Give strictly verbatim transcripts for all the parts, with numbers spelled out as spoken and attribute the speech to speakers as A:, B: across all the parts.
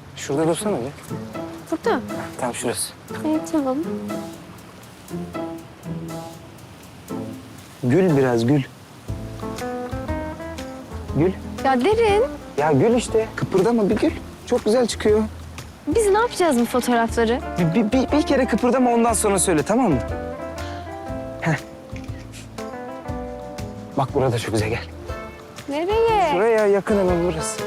A: Şurada dursana bir.
B: Burada.
A: Tam şurası.
B: Evet, tamam.
A: Gül biraz gül. Gül.
B: Ya Derin,
A: Ya gül işte. Kıpırdama bir gül. Çok güzel çıkıyor.
B: biz ne yapacağız bu fotoğrafları?
A: Bir, bir, bir, bir kere kıpırdama ondan sonra söyle tamam mı? Heh. Bak burada çok güzel gel.
B: Nereye?
A: Buraya yakın hemen burası.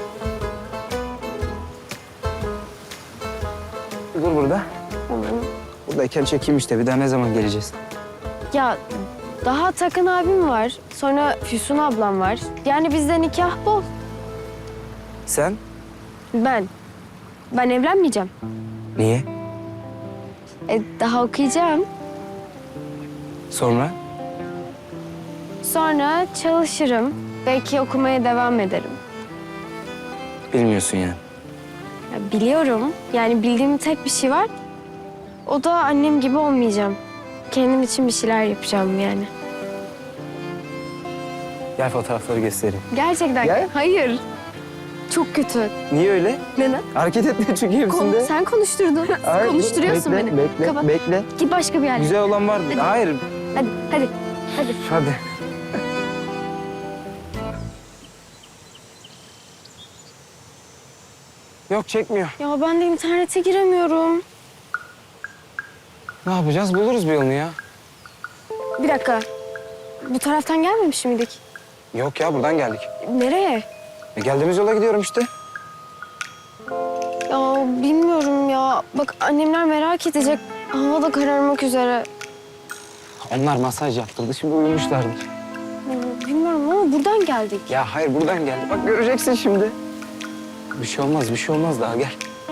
A: Dur burada.
B: Tamam.
A: Buradayken çekeyim işte. Bir daha ne zaman geleceğiz?
B: Ya daha Takın abim var. Sonra Füsun ablam var. Yani bizde nikah bol.
A: Sen?
B: Ben. Ben evlenmeyeceğim.
A: Niye?
B: E, daha okuyacağım.
A: Sonra?
B: Sonra çalışırım. Belki okumaya devam ederim.
A: Bilmiyorsun yani.
B: Ya biliyorum. Yani bildiğim tek bir şey var. O da annem gibi olmayacağım. Kendim için bir şeyler yapacağım yani.
A: Gel fotoğrafları göstereyim.
B: Gerçekten.
A: Ya.
B: Hayır. Çok kötü.
A: Niye öyle?
B: Neden?
A: Hareket etme çünkü
B: Kon-
A: hepsinde.
B: sen konuşturdun.
A: Hayır,
B: Konuşturuyorsun
A: bekle,
B: beni.
A: Bekle,
B: Kapat.
A: bekle.
B: Git başka bir yerle.
A: Güzel olan var.
B: Hadi.
A: Hayır.
B: Hadi, hadi, hadi.
A: Hadi. Yok çekmiyor.
B: Ya ben de internete giremiyorum.
A: Ne yapacağız? Buluruz bir yolunu ya.
B: Bir dakika. Bu taraftan gelmemiş miydik?
A: Yok ya buradan geldik.
B: Nereye?
A: E, geldiğimiz yola gidiyorum işte.
B: Ya bilmiyorum ya. Bak annemler merak edecek. Hava da kararmak üzere.
A: Onlar masaj yaptırdı. Şimdi uyumuşlardır.
B: Ya, bilmiyorum ama buradan geldik.
A: Ya hayır buradan geldi. Bak göreceksin şimdi. Bir şey olmaz, bir şey olmaz daha gel.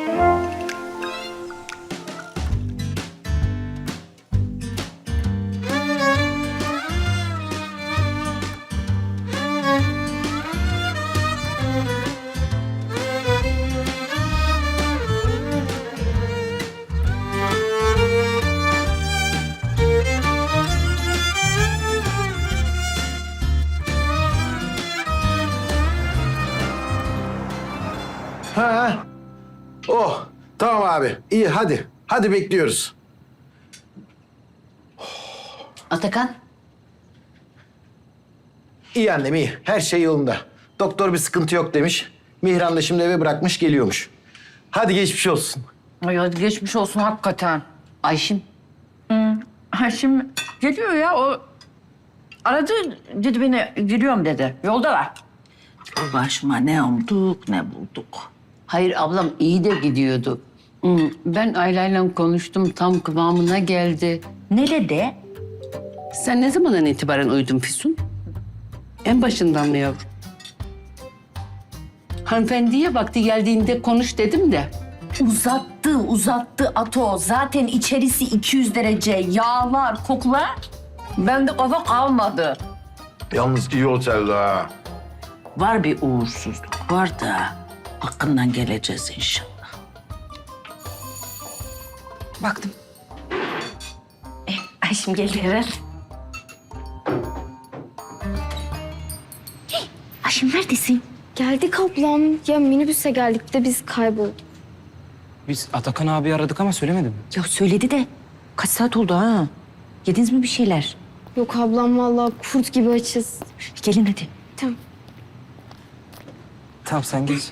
C: Ha, ha. Oh, tamam abi. İyi hadi. Hadi bekliyoruz.
D: Atakan,
C: İyi annem iyi. Her şey yolunda. Doktor bir sıkıntı yok demiş. Mihran da şimdi eve bırakmış geliyormuş. Hadi geçmiş olsun.
D: ay hadi geçmiş olsun hakikaten. Ayşim,
E: Haşim geliyor ya o aradı dedi beni geliyorum dedi. Yoldalar.
D: başıma ne umduk ne bulduk. Hayır ablam iyi de gidiyordu. Hmm, Ben Ayla'yla konuştum, tam kıvamına geldi.
E: Ne dedi?
D: Sen ne zamandan itibaren uyudun Füsun? En başından mı yavrum? Hanımefendiye vakti geldiğinde konuş dedim de.
E: Uzattı uzattı Ato. Zaten içerisi iki yüz derece. Yağlar, kokular. Bende kafa kalmadı.
C: Yalnız iyi otelde ha.
D: Var bir uğursuzluk var da hakkından geleceğiz inşallah.
E: Baktım. Eh, Ayşim geldi herhalde. Hey, Ayşim neredesin?
B: Geldik ablam. Ya minibüse geldik de biz kaybolduk.
A: Biz Atakan abi aradık ama söylemedi mi?
E: Ya söyledi de kaç saat oldu ha? Yediniz mi bir şeyler?
B: Yok ablam vallahi kurt gibi açız.
E: Gelin hadi.
B: Tamam.
A: Tamam sen geç.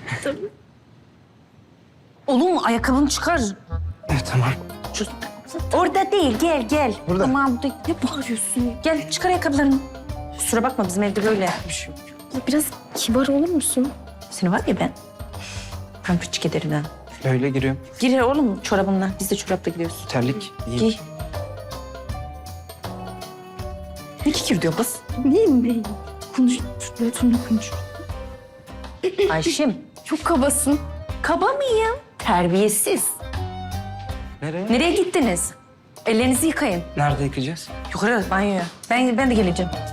E: Oğlum ayakkabını çıkar.
A: Evet tamam.
E: Orada değil gel gel.
A: Burada.
E: Aman burada ne bağırıyorsun? Gel çıkar ayakkabılarını. Kusura bakma bizim evde böyle. Bir şey yok.
B: Ya biraz kibar olur musun?
E: Seni var ya ben. Pampırçık ederim ha.
A: Öyle giriyorum.
E: Gir oğlum çorabınla. Biz de çorapla gidiyoruz.
A: Terlik. İyi.
E: Giy. Ne kikir diyor kız?
B: Neyim be? Konuş. Şununla konuş.
E: Ayşim.
B: Çok kabasın.
E: Kaba mıyım? Terbiyesiz.
A: Nereye?
E: Nereye gittiniz? Ellerinizi yıkayın.
A: Nerede yıkayacağız?
E: Yukarı banyoya. Ben, ben de geleceğim.